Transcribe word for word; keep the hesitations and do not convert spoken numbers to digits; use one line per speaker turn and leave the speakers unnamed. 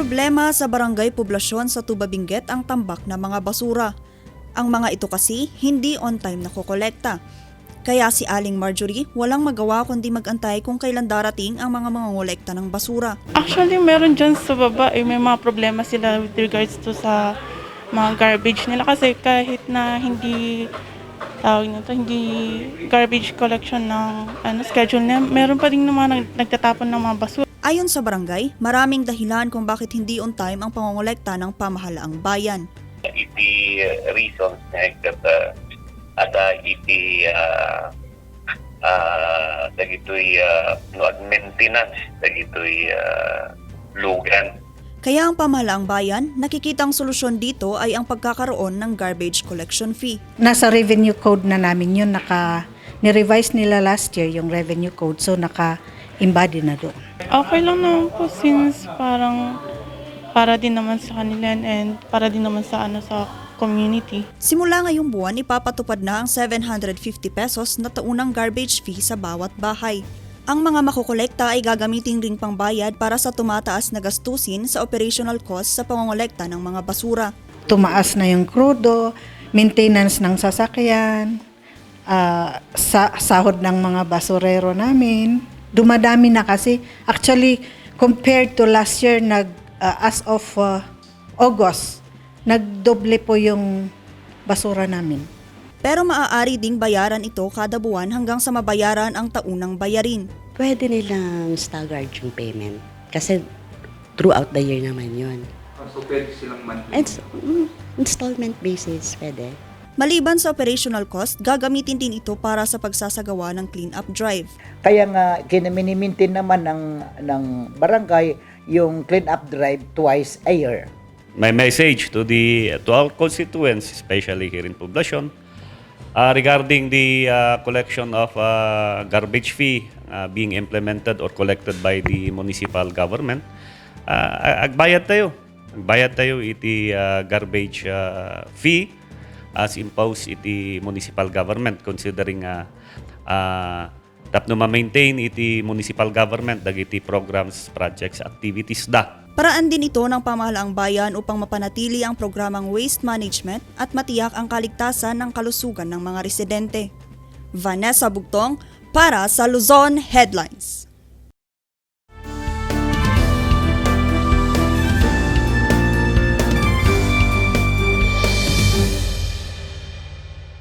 Problema sa barangay poblasyon sa Tuba Benguet ang tambak na mga basura. Ang mga ito kasi hindi on time nakokolekta. Kaya si Aling Marjorie walang magawa kundi mag-antay kung kailan darating ang mga mangongolekta ng basura.
Actually, meron dyan sa baba, eh, may mga problema sila with regards to sa mga garbage nila kasi kahit na hindi tawag na to, hindi garbage collection ng ano, schedule na, meron pa rin naman nag, nagtatapon ng mga basura.
Ayon sa barangay, maraming dahilan kung bakit hindi on time ang pangongolekta ng pamahalaang bayan.
Iti uh, reasons na kat uh, at uh, iti uh, uh, dagitoy uh, no maintenance dagitoy uh, lugan.
Kaya ang pamahalaang bayan, nakikitang solusyon dito ay ang pagkakaroon ng garbage collection fee.
Nasa revenue code na namin yun, naka, ni-revise nila last year yung revenue code, so naka-embody na doon.
Okay lang naman po since parang para din naman sa kanila and para din naman sa ano sa community.
Simula ngayong buwan, ipapatupad na ang seven hundred fifty pesos na taunang garbage fee sa bawat bahay. Ang mga makukolekta ay gagamitin ring pangbayad para sa tumataas na gastusin sa operational cost sa pangongolekta ng mga basura.
Tumaas na yung krudo, maintenance ng sasakyan, uh, sa sahod ng mga basurero namin. Dumadami na kasi. Actually, compared to last year, nag, uh, as of uh, August, nagdoble po yung basura namin.
Pero maaari ding bayaran ito kada buwan hanggang sa mabayaran ang taunang bayarin.
Pwede nilang staggered yung payment kasi throughout the year naman yun.
So pwede silang monthly?
It's, mm, installment basis, pwede.
Maliban sa operational cost, gagamitin din ito para sa pagsasagawa ng clean-up drive.
Kaya nga kinaminimintin naman ng, ng barangay yung clean-up drive twice a year.
My message to the to our constituents, especially here in Poblacion, uh, regarding the uh, collection of uh, garbage fee uh, being implemented or collected by the municipal government, uh, agbayad tayo. Agbayad tayo iti uh, garbage uh, fee as imposed iti municipal government considering uh, uh, tapno ma-maintain iti municipal government dagiti programs, projects, activities da.
Paraan din ito ng pamahalaang bayan upang mapanatili ang programang waste management at matiyak ang kaligtasan ng kalusugan ng mga residente. Vanessa Bugtong para sa Luzon Headlines.